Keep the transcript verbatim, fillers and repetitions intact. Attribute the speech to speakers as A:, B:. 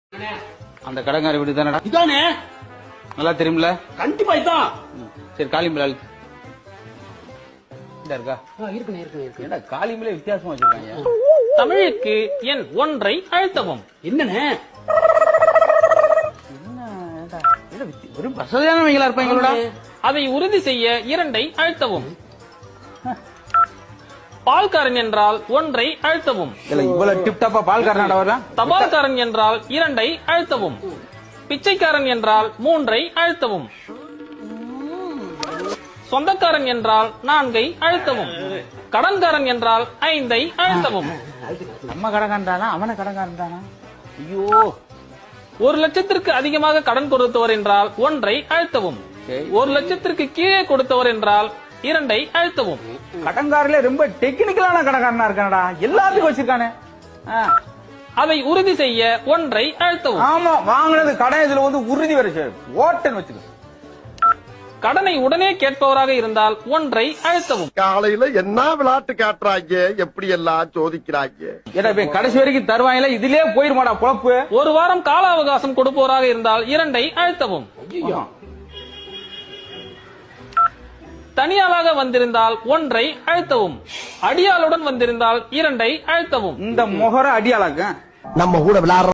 A: அந்த கடங்காரி வீடு தானடா?
B: இதானே?
A: நல்லா தெரியும்ல?
B: கண்டிப்பா இதான்.
A: சரி, காளிமலை இருக்கா?
B: இருக்குண்ணே இருக்கு இருக்கு.
A: ஏடா காளிமலை வித்தியாசமா வச்சிருக்காங்க.
C: தமிழுக்கு எண் ஒன்றை அழுத்தவும்.
B: என்னண்ணே?
A: ஒரு வசதியானவங்களா இருப்பாங்களோட.
C: அதை உறுதி செய்ய இரண்டை அழுத்தவும். பால்காரன் என்றால் ஒன்றை அழுத்தவும்.
A: இவ்வளவு டிப் டாப்பா பால்காரனாடா வரலாம்.
C: தபால்காரன் என்றால் இரண்டை அழுத்தவும். பிச்சைக்காரன் என்றால் மூன்றை அழுத்தவும். சொந்தக்காரன் என்றால் நான்கை அழுத்தவும். கடன்காரன் என்றால் ஐந்தை அழுத்தவும்.
A: நம்ம கடங்காரன் தானா அவன கடங்காரன் தானா? ஐயோ,
C: ஒரு லட்சத்திற்கு அதிகமாக கடன் கொடுத்தவர் என்றால் ஒன்றை அழுத்தவும். ஒரு லட்சத்திற்கு கீழே கொடுத்தவர் என்றால் இரண்டை அழுத்தவும்.
A: கடங்காரில ரொம்ப டெக்னிக்கலான கடங்காரனா இருக்கானடா, எல்லாத்துக்கும் வச்சிருக்கானே.
C: அதை உறுதி செய்ய ஒன்றை அழுத்தவும்.
A: ஆமா, வாங்கினது கடன் இதுல வந்து உறுதி வரைச்சு ஓட்டன் வச்சுக்க.
C: கடனை உடனே கேட்பவராக இருந்தால் ஒன்றை அழுத்தவும்.
D: காலையில என்ன விளையாட்டு காட்டுறாங்க, எப்படி எல்லாம் சோதிக்கிறாங்க.
A: ஏடா போய் கடைசி வரைக்கும் தருவாங்கல, இதுலயே போயிருமாடா பொழப்பு.
C: ஒரு வாரம் கால அவகாசம் கொடுப்பவராக இருந்தால் இரண்டை அழுத்தவும். தனியாளாக வந்திருந்தால் ஒன்றை அழுத்தவும். அடியாளுடன் வந்திருந்தால் இரண்டை அழுத்தவும்.
A: இந்த முகர அடியாளாக்க
D: நம்ம கூட விளையாடுற